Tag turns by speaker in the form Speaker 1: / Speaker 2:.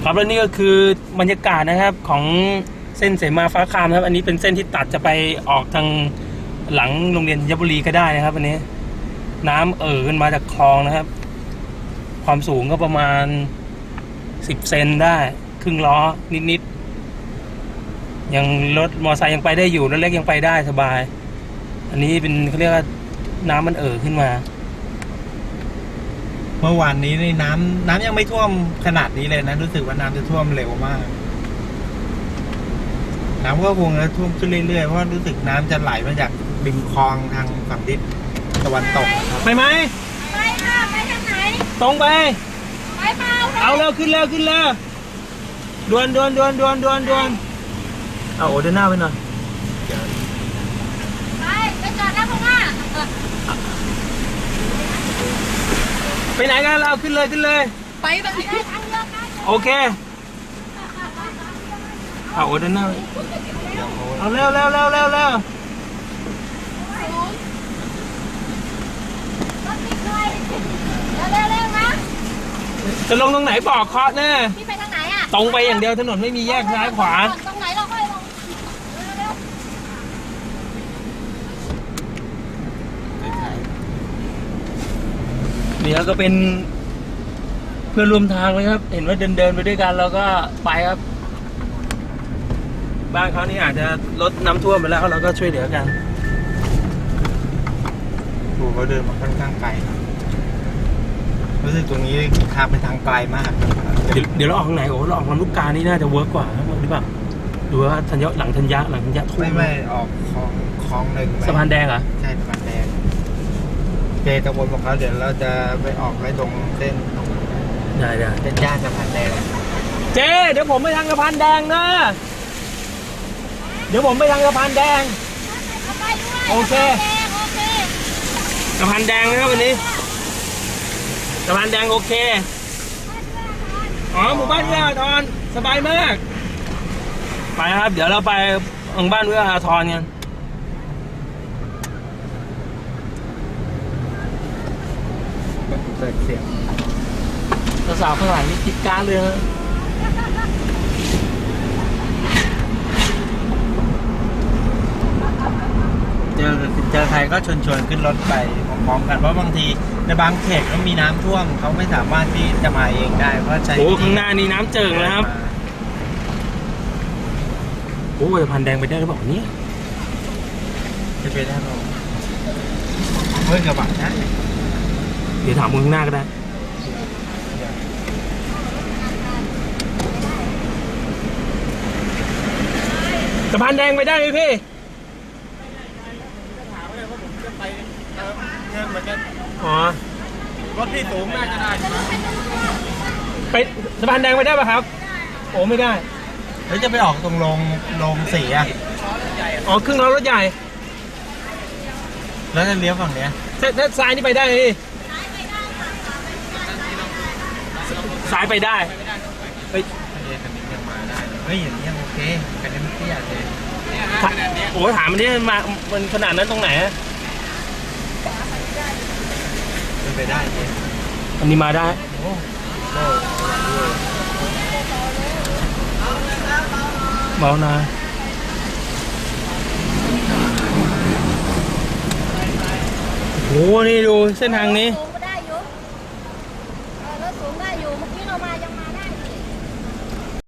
Speaker 1: ครับแล้วนี่ก็คือบรรยากาศนะครับของเส้นเสมาฟ้าคามครับอันนี้เป็นเส้นที่ตัดจะไปออกทางหลังโรงเรียนธัญบุรีก็ได้นะครับอันนี้น้ำขึ้นมาจากคลองนะครับความสูงก็ประมาณ10 เซนได้ครึ่งล้อนิดๆยังรถมอเตอร์ไซค์ยังไปได้อยู่รถเล็กยังไปได้สบายอันนี้เป็นเขาเรียกว่าน้ำมันขึ้นมา
Speaker 2: เมื่อวานนี้นี่น้ำยังไม่ท่วมขนาดนี้เลยนะรู้สึกว่าน้ำจะท่วมเร็วมากน้ำก็คงจะท่วมขึ้นเรื่อยๆเพราะรู้สึกน้ำจะไหลมาจากริมคลองทางฝั่งทิศตะวันตกนะครับ
Speaker 1: ไปไหม
Speaker 3: ไปค่ะไปทางไหน
Speaker 1: ตรงไป
Speaker 3: ไปเปล่า
Speaker 1: เอาเร็วขึ้นเร็วด่วนเอาโอ้เดินหน้าไปหน่อย
Speaker 3: ไปจอดแล้วพงอ่ะ
Speaker 1: ไปไหนกันเราขึ้นเลย
Speaker 3: ไปแบบนี้
Speaker 1: โอเคเอาโอ้เดินหน้าเอาเร็ว
Speaker 3: รถติดเลยเร็วนะ
Speaker 1: จะลงตรงไหนบอกเคาะแน่
Speaker 3: พี่ไปทางไหนอ่ะ
Speaker 1: ตรงไปอย่างเดียวถนนไม่มีแยกซ้ายขวา
Speaker 3: ตรงไหนเราค่อยลงเร็ว
Speaker 1: เดี๋ยวก็เป็นเพื่อนร่วมทางเลยครับเห็นว่าเดินไปด้วยกันเราก็ไปครับบ้านเขานี่อาจจะลดน้ำท่วมไปแล้วเราก็ช่วยเหลือกัน
Speaker 2: ดูเขาเดินมาค่อนข้างไกลรู้สึกตรงนี้ทางไปทางไกลมาก
Speaker 1: เดี๋ยวเราออกทางไหนโอ้เราออกลำลูกกานี่น่าจะเวิร์กกว่าหรือเปล่าดูว่าหลังธัญญะท่วม
Speaker 2: ไม่ออกคลองหนึ่ง
Speaker 1: สะพานแดงเหรอ
Speaker 2: ใช่สะพานแดงเจตะวนบอกเขาเดี๋ยวเราจะไปออกไว้ตรงเส้น
Speaker 1: ได้
Speaker 2: เส้นย่านสะพานแดง
Speaker 1: เจ๊เดี๋ยวผมไปทางสะพานแดงนะเดี๋ยวผมไปทางสะพานแดงโอเคสะพานแดงนะครับวันนี้สะพานแดงโอเคอ๋อหมู่บ้านเอื้ออาทรสบายมากไปครับเดี๋ยวเราไปหมู่บ้านเอื้ออาทรกัน
Speaker 2: เปิดเสียง
Speaker 1: สาวข้างหลังนี่คิดการเลยนะ
Speaker 2: เจอใครก็ชวนขึ้นรถไปพร้อมๆกันเพราะบางทีในบางเขตก็มีน้ำท่วมเขาไม่สามารถที่จะมาเองได้เพราะใช้
Speaker 1: โอ้ข้างหน้านี่น้ำเจิ่งนะครับโอ้สะพานแดงไปได้หรือเปล่าเนี่ย
Speaker 2: จะไปได้หรอเฮ้ยกระบะนะ
Speaker 1: เดี๋ยวถามมึงข้างหน้าก็ได้สะพานแดงไปได้ไหมพี่อ๋อ
Speaker 2: รถที่สูงน่าจะได้
Speaker 1: ไปสะพานแดงไปได้ป่ะครับโอ้ไม่ได้
Speaker 2: แล้วจะไปออกตรงโรงสีอ่ะ
Speaker 1: อ๋อครึ่งล้อรถใหญ่
Speaker 2: แล้วจะเลี้ยวฝั่งเนี้ย
Speaker 1: ถ้าซ้ายนี่ไปได้พี่ซ้ายไปได้
Speaker 2: เฮ้ยคันนี้ยังมาได้เฮ้ยอย่างนี้ยังโอเคคันนี้ไม่เตี้ยเลย
Speaker 1: โอ้ถามมันนี่มันขนาดนั้นตรงไหน
Speaker 2: ไปได้
Speaker 1: อันนี้มาได้เบานะโหนี่ดูเส้นทางนี้